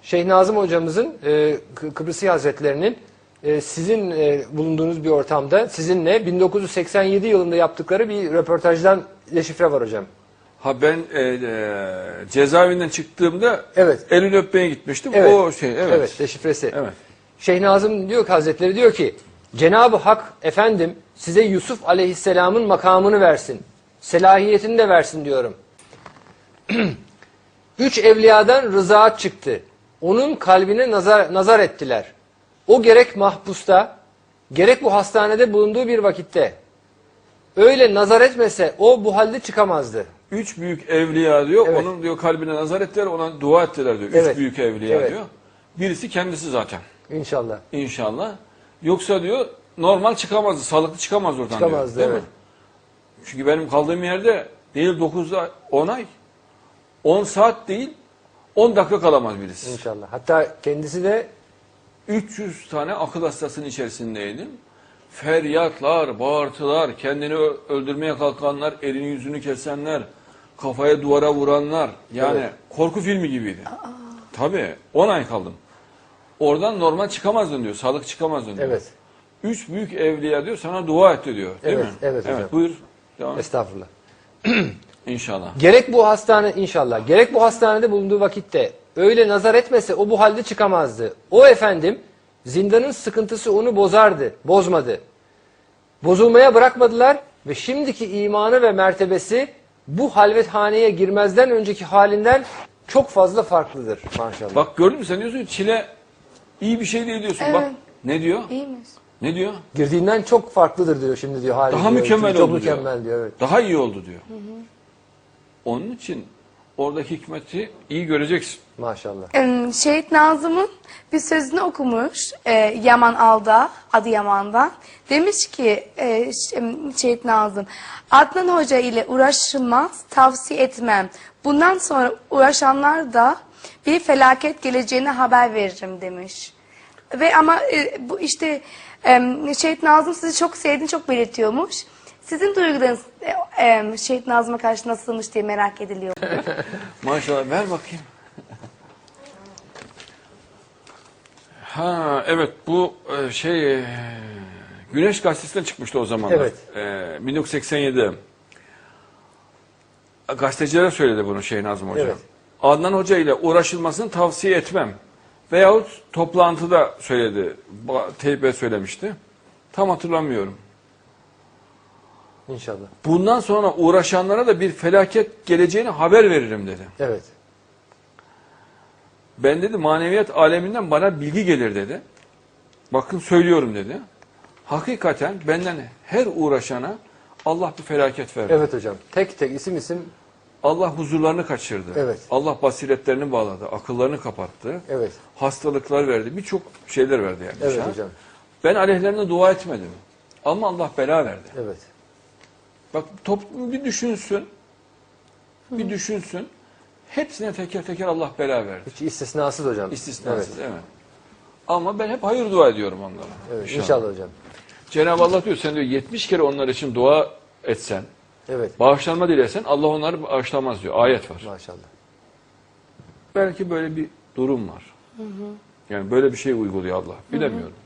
Şeyh Nazım hocamızın Kıbrıs Hazretlerinin sizin bulunduğunuz bir ortamda sizinle 1987 yılında yaptıkları bir röportajdan deşifre var hocam. Ha ben cezaevinden çıktığımda Evet. elini öpmeye gitmiştim. Evet. O şey evet. Evet, deşifresi. Evet. Şeyh Nazım diyor ki Hazretleri diyor ki Cenab-ı Hak efendim size Yusuf Aleyhisselam'ın makamını versin. Selahiyetini de versin diyorum. 3 evliyadan rızaat çıktı. Onun kalbine nazar ettiler. O gerek mahpusta, gerek bu hastanede bulunduğu bir vakitte. Öyle nazar etmese o bu halde çıkamazdı. 3 büyük evliya diyor. Evet. Onun diyor kalbine nazar ettiler, ona dua ettiler diyor. 3 Evet. büyük evliya Evet. diyor. Birisi kendisi zaten. İnşallah. İnşallah. Yoksa diyor normal çıkamazdı, sağlıklı çıkamaz oradan Çıkamazdı, diyor. Değil evet. mi? Çünkü benim kaldığım yerde değil 9'da 10 ay, 10 saat değil 10 dakika kalamaz birisi. İnşallah. Hatta kendisi de 300 tane akıl hastasının içerisindeydim. Feryatlar, bağırtılar, kendini öldürmeye kalkanlar, elini yüzünü kesenler, kafaya duvara vuranlar. Yani Evet. korku filmi gibiydi. Tabii 10 ay kaldım. Oradan normal çıkamazdın diyor, sağlık çıkamazdın diyor. evet. 3 büyük evliya diyor, sana dua etti diyor. Değil Evet, mi? evet hocam. Buyur. Devam et. Estağfurullah. İnşallah. Gerek bu hastane inşallah. Gerek bu hastanede bulunduğu vakitte öyle nazar etmese o bu halde çıkamazdı. O efendim zindanın sıkıntısı onu bozmadı. Bozulmaya bırakmadılar ve şimdiki imanı ve mertebesi bu halvethaneye girmezden önceki halinden çok fazla farklıdır maşallah. Bak gördün mü sen diyorsun ki çile iyi bir şey değil diyorsun. Evet. Bak ne diyor? İyiymiş. Ne diyor? Girdiğinden çok farklıdır diyor şimdi diyor. Hali Daha diyor. mükemmel çok oldu diyor. mükemmel diyor. Evet. Daha iyi oldu diyor. Onun için oradaki hikmeti iyi göreceksin. Maşallah. Şehit Nazım'ın bir sözünü okumuş Yaman Alda, Adıyaman'dan. Demiş ki Şehit Nazım, Adnan Hoca ile uğraşılmaz, tavsiye etmem. Bundan sonra uğraşanlar da bir felaket geleceğine haber veririm demiş. Ve ama bu işte Şehit Nazım sizi çok sevdiğini çok belirtiyormuş. Sizin duygularınız Şehit Nazım'a karşı nasılmış diye merak ediliyor. Maşallah ver bakayım. Ha evet bu Güneş Gazetesi'nden çıkmıştı o zamanlar. Evet. 1987'de. Gazetecilere söyledi bunu Şeyh Nazım Hoca. Evet. Adnan Hoca ile uğraşılmasını tavsiye etmem. Veyahut toplantıda söyledi. Teybe söylemişti. Tam hatırlamıyorum. İnşallah. Bundan sonra uğraşanlara da bir felaket geleceğini haber veririm dedi. Evet. Ben dedi maneviyat aleminden bana bilgi gelir dedi. Bakın söylüyorum dedi. Hakikaten benden her uğraşana Allah bir felaket verdi. Evet hocam. Tek tek isim Allah huzurlarını kaçırdı. Evet. Allah basiretlerini bağladı. Akıllarını kapattı. evet. Hastalıklar verdi. Birçok şeyler verdi yani. Evet dışarı. hocam. Ben aleyhlerine dua etmedim. Ama Allah bela verdi. Evet. Bak toplum bir düşünsün. Bir düşünsün. Hepsine teker teker Allah bela verdi. Hiç istisnasız hocam. İstisnasız Evet. evet. Ama ben hep hayır dua ediyorum onlara. Evet. İnşallah hocam. Cenab-ı Allah diyor sen diyor 70 kere onlar için dua etsen, Evet. bağışlanma dilesen Allah onları bağışlamaz diyor. Ayet var. Maşallah. Belki böyle bir durum var. Yani böyle bir şey uyguluyor Allah. Bilemiyorum.